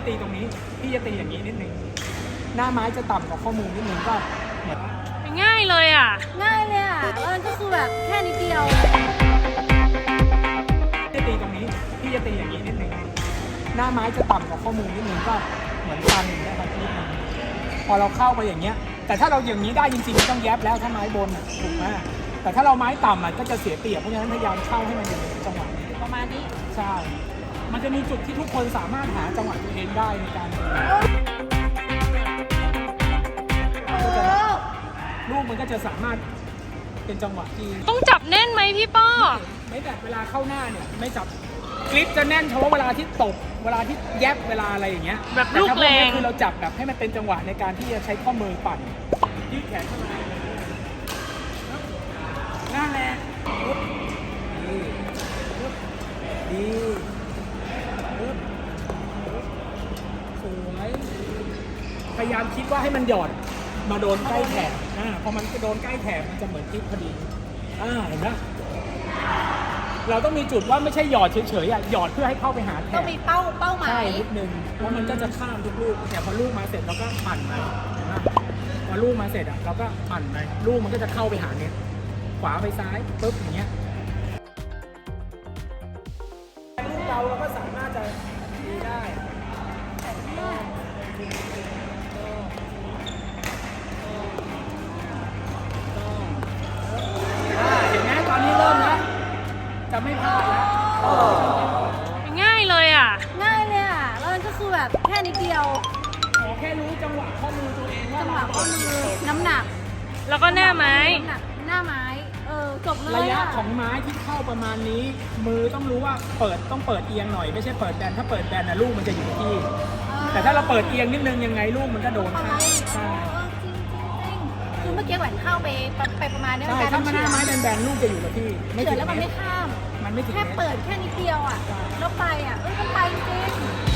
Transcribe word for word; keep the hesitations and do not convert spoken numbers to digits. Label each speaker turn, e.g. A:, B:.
A: จะตีตรงนี้พี่จะตีอย่างนี้นิดนึงหน้าไม้จะต่ำกว่าข้อมือนิดนึงก็เหมือน
B: ง่ายเลยอ่ะ
C: ง่ายเลยอ่ะแล้วมันก็คือแบบแค่นิดเดียว
A: จะตีตรงนี้พี่จะตีอย่างนี้นิดนึงหน้าไม้จะต่ำกว่าข้อมือนิดนึงก็เหมือนกันอย่างเงี้ยครับนิดนึงพอเราเข้าไปอย่างเงี้ยแต่ถ้าเราอย่างนี้ได้จริงๆต้องแยบแล้วถ้าไม้บนถูกไหมแต่ถ้าเราไม้ต่ำก็จะเสียเปรียบเพราะฉะนั้นพยายามเข้าให้มันอยู่ในจังหวะนี้
C: ประมาณนี้
A: ใช่มันจะมีจุดที่ทุกคนสามารถหาจังหวะตัวเองได้ในการลูกมันก็จะสามารถเป็นจังหวะที่
B: ต้องจับแน่นไหมพี่ป้อ
A: ไม่แบบเวลาเข้าหน้าเนี่ยไม่จับกริปจะแน่นเฉพาะเวลาที่ตบเวลาที่แยบเวลาอะไรอย่างเงี้ย
B: แบบลูกแรง
A: คือเราจับแบบให้มันเป็นจังหวะในการที่จะใช้ข้อมือปั่นยืดแขนเข้ามาหน้าแรงดีสวยพยายามคิดว่าให้มันหยอดมาโดนใกล้แถบอ่าพอมันโดนใกล้แถบมันจะเหมือนทิปพอดีอ่าเห็นไหมเราต้องมีจุดว่าไม่ใช่หยอดเฉยๆอ่ะหยอดเพื่อให้เข้าไปหาแถบ
C: ต้องมีเป้าเป้าหมาย
A: ใช่นิดนึงแล้วมันก็จะข้ามทุกลูกแต่พอลูกมาเสร็จเราก็ปั่นไปพอลูกมาเสร็จอ่ะเราก็ปั่นไปลูกมันก็จะเข้าไปหาเนี้ยขวาไปซ้ายปุ๊บอย่างเงี้ยลูกเราเราก็สามารถจะดีได้เห็นไหมตอนนี้เริ่มแล้วจะไม่พลาดแล้ว
B: ง่ายเลยอ่ะ
C: ง่ายเลยอ่ะแล้วมันก็คือแบบแค่นิดเดียว
A: ขอแค่รู้จังหวะข้อมือตัวเองว่า
C: จังหวะข้อมือน้ำหนัก
B: แล้วก็หน้าไม้
C: น้ำหนักหน้าไม้เออจบเลย
A: ระยะของไม้ที่เข้าประมาณนี้มือต้องรู้ว่าเปิดต้องเปิดเอียงหน่อยไม่ใช่เปิดแบนถ้าเปิดแบนนะลูกมันจะอยู่ที่แต่ถ้าเราเปิดเอียงนิดนึงยังไงลูกมันก็โดนข้างใช่
C: คือเมื่อกี้แหวนเข้าไปไปประมาณนี้
A: ใช่ถ้ามันหน้าไม้แบนๆลูกจะอยู่กับที่
C: ไม่ถึงแล้วมันไม่ข้าม
A: มันไม่ถึง
C: แค่เปิดแค่นิดเดียวอ่ะแล้วไปอ่ะเออมันไปจริง